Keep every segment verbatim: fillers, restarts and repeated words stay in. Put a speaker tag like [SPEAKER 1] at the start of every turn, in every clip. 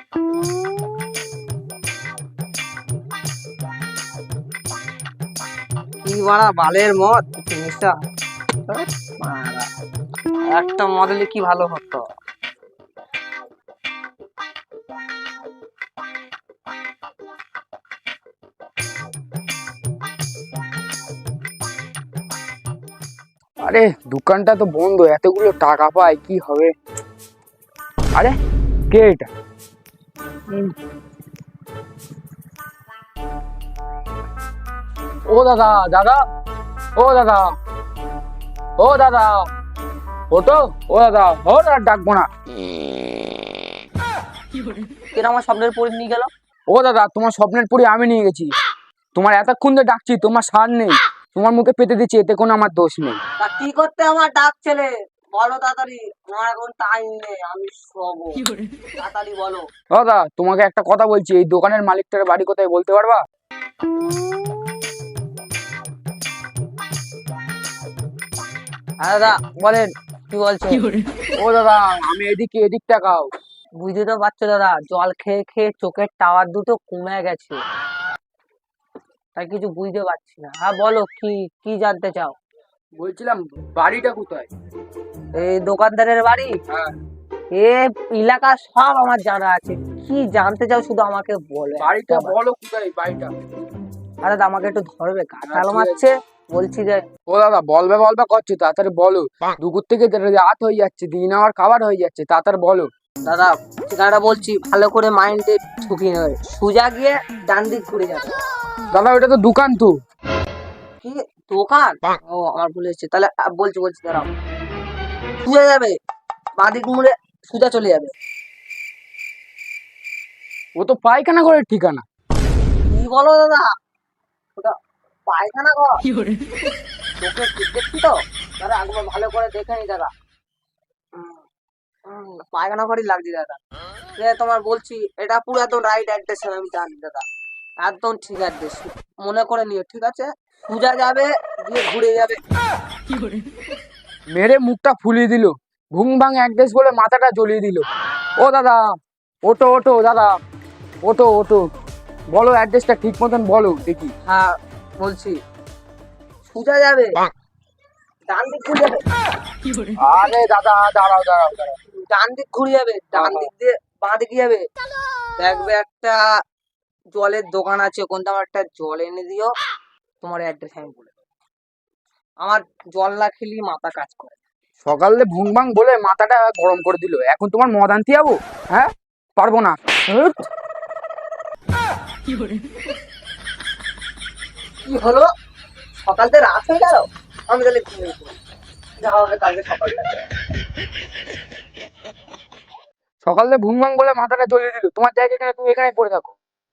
[SPEAKER 1] কি বাড়া বালের মদ জিনিসটা, একটা মডেলে কি ভালো হতো।
[SPEAKER 2] আরে দোকানটা তো বন্ধ, এতগুলো টাকা পাই কি হবে। আরে কে এটা? ও দাদা, দাদা, ও দাদা, ও দাদা, ওটো, ও দাদা, ও দাদা ডাকবো না।
[SPEAKER 1] কেন আমার স্বপ্নের পরি নিয়ে গেল?
[SPEAKER 2] ও দাদা, তোমার স্বপ্নের পরি আমি নিয়ে গেছি। তোমার এতক্ষণ ধরে ডাকছি, তোমার সার নেই, তোমার মুখে পেতে দিচ্ছি, এতে কোনো আমার দোষ নেই।
[SPEAKER 1] তা কি করতে আমার ডাক ছেলে বলো তাড়াতাড়ি, আমার এখন টাইম নেই, আমি শোবো, তাড়াতাড়ি বলো।
[SPEAKER 2] ও দাদা, তোমাকে একটা কথা বলছি, এই দোকানের মালিকটার বাড়ি কোথায় বলতে পারবা?
[SPEAKER 1] হ্যাঁ দাদা বলেন, কি বলছো?
[SPEAKER 2] ও দাদা, আমি এদিকে, এদিক তাকাও।
[SPEAKER 1] বুঝতে তো পারছো দাদা, জল খেয়ে খেয়ে চোখের টাওয়ার দুটো কমে গেছে, তাই কিছু বুঝতে পারছি না। হ্যাঁ বলো, কি কি জানতে চাও?
[SPEAKER 2] বলছিলাম বাড়িটা কোথায়?
[SPEAKER 1] এই দোকানদারের বাড়ি?
[SPEAKER 2] হ্যাঁ।
[SPEAKER 1] এ এলাকা সব আমার জানা আছে, কি জানতে চাও শুধু আমাকে বলো।
[SPEAKER 2] বাড়িটা বলো কোথায় বাড়িটা?
[SPEAKER 1] আরে দাদা আমাকে একটু ধরবে, কাঁঠাল মারছে বলছি যে।
[SPEAKER 2] ও দাদা, বলবে বলবে করছো, তাড়াতাড়ি বলো। দুপুর থেকে রাত হয়ে যাচ্ছে, দিন আমার খাবার হয়ে যাচ্ছে, তাড়াতাড়ি বলো।
[SPEAKER 1] দাদা ঠিকানাটা বলছি, ভালো করে মাইন্ডে ঢুকিয়ে নেবে। সোজা গিয়ে ডান দিক ঘুরে যাবে।
[SPEAKER 2] দাদা ওটা তো দোকান তো।
[SPEAKER 1] কি দোকান? ও আমার ভুল হচ্ছে, তাহলে আ, বলছি বলছি দাঁড়াও। সোজা যাবে, বাঁ দিক মুড়ে সোজা চলে যাবে।
[SPEAKER 2] ও তো পায়খানা ঘরের ঠিকানা।
[SPEAKER 1] কি বলো দাদা, ওটা পায়খানা ঘর? তোকে দেখছি তো দাদা, একবার ভালো করে দেখে নি দাদা। হুম, হুম, পায়খানা ঘরই লাগছে দাদা। এ তোমার বলছি, এটা পুরো একদম রাইট অ্যাড্রেস, আমি জানি দাদা, একদম ঠিক অ্যাড্রেস, মনে করে নিও ঠিক আছে। সোজা যাবে, দিয়ে ঘুরে যাবে।
[SPEAKER 2] মেরে মুখটা ফুলিয়ে দিল, ঘুং ভাং অ্যাড্রেস বলে মাথাটা জ্বলিয়ে দিল। ও দাদা, ওটো ওটো দাদা, ওটো ওটো, বলো অ্যাড্রেসটা ঠিক মতন বলো দেখি।
[SPEAKER 1] হ্যাঁ বলছি, সোজা যাবে, ডান দিক ঘুরে যাবে।
[SPEAKER 2] আরে দাদা, দাঁড়াও দাঁড়াও দাঁড়াও।
[SPEAKER 1] ডান দিক ঘুরে যাবে, ডান দিক দিয়ে বাঁ দিকে যাবে, দেখবে একটা জলের দোকান আছে, ওখান থেকে আমার একটা জল এনে দিও। তোমার অ্যাড্রেস আমি বলে দেবো। আমার জল না খেলি মাথা কাজ করে।
[SPEAKER 2] সকালে ভুং ভাং বলে মাথাটা গরম করে দিল, এখন তোমার মদ আনতে যাবো? হ্যাঁ, পারবো না। হুট।
[SPEAKER 1] কি হলো, সকাল থেকে রাত হয়ে গেল, আমি তাহলে ঘুমিয়ে পড়ি, যা হবে কালকে সকালটা।
[SPEAKER 2] সকালে ভুং ভাং বলে মাথাটা জ্বলিয়ে দিল, তোমার জায়গা এখানে, তুমি এখানে পড়ে থাকো।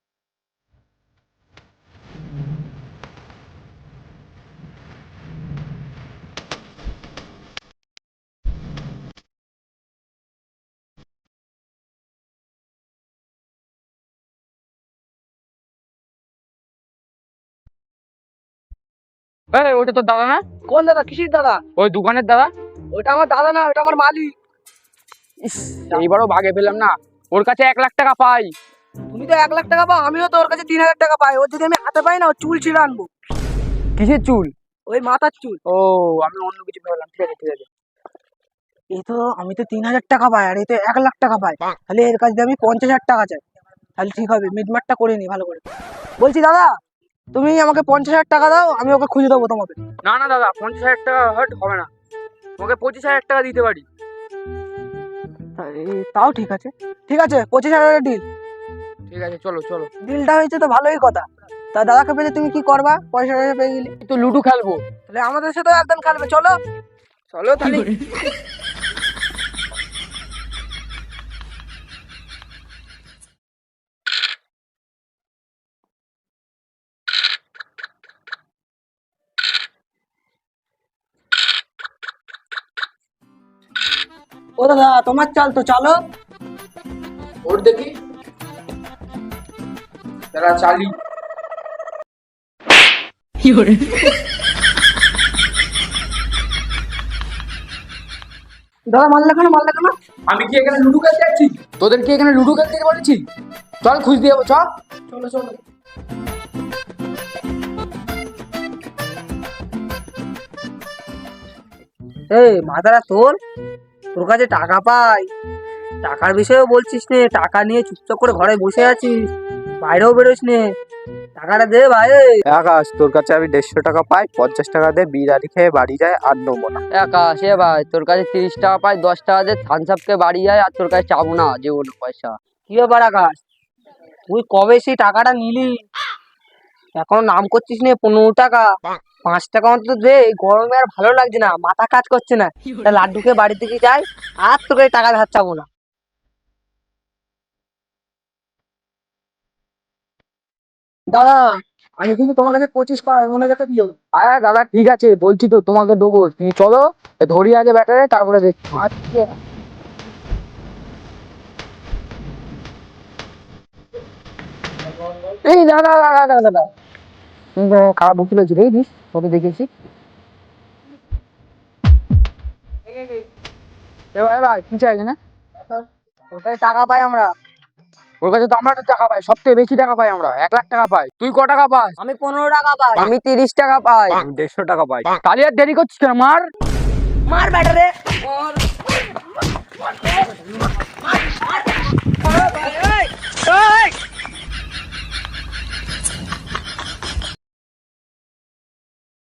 [SPEAKER 2] এই, ওটা তো দাদা না?
[SPEAKER 1] কোন দাদা? কিসির দাদা?
[SPEAKER 2] ওই দোকানের দাদা।
[SPEAKER 1] ওটা আমার দাদা না, ওটা আমার মালিক।
[SPEAKER 2] ইস, এইবারও ভাগে পেলাম না, ওর কাছে এক লাখ টাকা পাই।
[SPEAKER 1] তুমি তো এক লাখ টাকা পাও, আমিও তো ওর কাছে তিন হাজার টাকা পাই। ওর যদি আমি হাতে পাই না, ওর চুল ছিঁড়ে আনবো।
[SPEAKER 2] কিসের চুল?
[SPEAKER 1] ওই মাথার চুল।
[SPEAKER 2] ও, আমি অন্য কিছু ভাবলাম। ঠিক আছে ঠিক আছে।
[SPEAKER 1] এই তো আমি তো তিন হাজার টাকা পাই, আর এই তো এক লাখ টাকা পাই, তাহলে এর কাছে আমি পঞ্চাশ হাজার টাকা চাই, তাহলে ঠিক হবে। মিটমাটটা করে নি ভালো করে। বলছি দাদা, তুমি আমাকে পঞ্চাশ হাজার টাকা দাও, আমি ওকে খুঁজে দেবো তোমাকে।
[SPEAKER 2] না না দাদা, পঞ্চাশ হাজার টাকা হট হবে না, তোমাকে পঁচিশ হাজার টাকা দিতে পারি।
[SPEAKER 1] এই, তাও ঠিক আছে, ঠিক আছে, পঁচিশ হাজারের ডিল।
[SPEAKER 2] ঠিক আছে, চলো চলো।
[SPEAKER 1] ডিলটা হয়েছে তো ভালোই কথা। তা দাদাকে পেলে তুমি কি করবা পয়সা টয়সা পেয়ে গেলে?
[SPEAKER 2] তো লুডো খেলবো।
[SPEAKER 1] তাহলে আমাদের সাথে একদম খেলবে, চলো চলো তাহলে। ও দাদা, তোমার চাল তো, চলো।
[SPEAKER 2] ওর দেখি, তারা চালি।
[SPEAKER 1] দাদা মারলে কেন মারলে কেন?
[SPEAKER 2] আমি কি এখানে লুডো খেলতে যাচ্ছি? তোদের কি এখানে লুডো খেলতে বলেছি? চল খুঁজ দিয়ে যাবো, চ।
[SPEAKER 1] চলো চলো। এই মাথাটা তোল, তোর কাছে টাকা পাই, টাকার বিষয়েও বলছিস নে, টাকা নিয়ে চুপচাপ করে ঘরে বসে আছিস, বাইরেও বেরোস নে, টাকাটা দে ভাই।
[SPEAKER 3] আকাশ, তোর কাছে আমি দেড়শো টাকা পাই, পঞ্চাশ টাকা দিয়ে বিরিয়ানি খেয়ে বাড়ি যায়, আর নেবো না।
[SPEAKER 2] আকাশ এ ভাই, তোর কাছে তিরিশ টাকা পাই, দশ টাকা দিয়ে থামস আপকে বাড়ি যায়, আর তোর কাছে চাবো না জীবনে পয়সা।
[SPEAKER 1] কি ব্যাপার আকাশ, তুই কবে সেই টাকাটা নিলি, এখন নাম করছিস নে পনেরো টাকা, পাঁচ টাকা অন্তত দে, এই গরমে আর ভালো লাগছে না, মাথা কাজ করছে না, তা লাড্ডুকে বাড়ি থেকে যাই, আর তোকে এই টাকা ধার চাবো না।
[SPEAKER 2] দাদা, আমি কিন্তু তোমার কাছে পঁচিশ পাই, মনে কাছে দিও। আরে দাদা ঠিক আছে, বলছি তো তোমাকে দেবো, তুমি চলো ধরি আগে ব্যাটারে, তারপরে দেখছি। আচ্ছা। এই দাদা দাদা দাদা দাদা খারাপ বুঝতে পেরেছি, দেখেছিস তোকে দেখেছি। এবার ভাই কি চাইছে না?
[SPEAKER 1] ওটাই টাকা পাই আমরা।
[SPEAKER 2] ওর কাছে তো আমরা তো টাকা পাই, সব থেকে বেশি টাকা পাই আমরা, এক লাখ টাকা পাই। তুই ক টাকা পাস?
[SPEAKER 1] আমি পনেরো টাকা পাই।
[SPEAKER 2] আমি তিরিশ টাকা পাই।
[SPEAKER 3] আমি দেড়শো টাকা পাই।
[SPEAKER 2] তাহলে আর দেরি করছিস কেন, মার।
[SPEAKER 1] মার ব্যাটারে।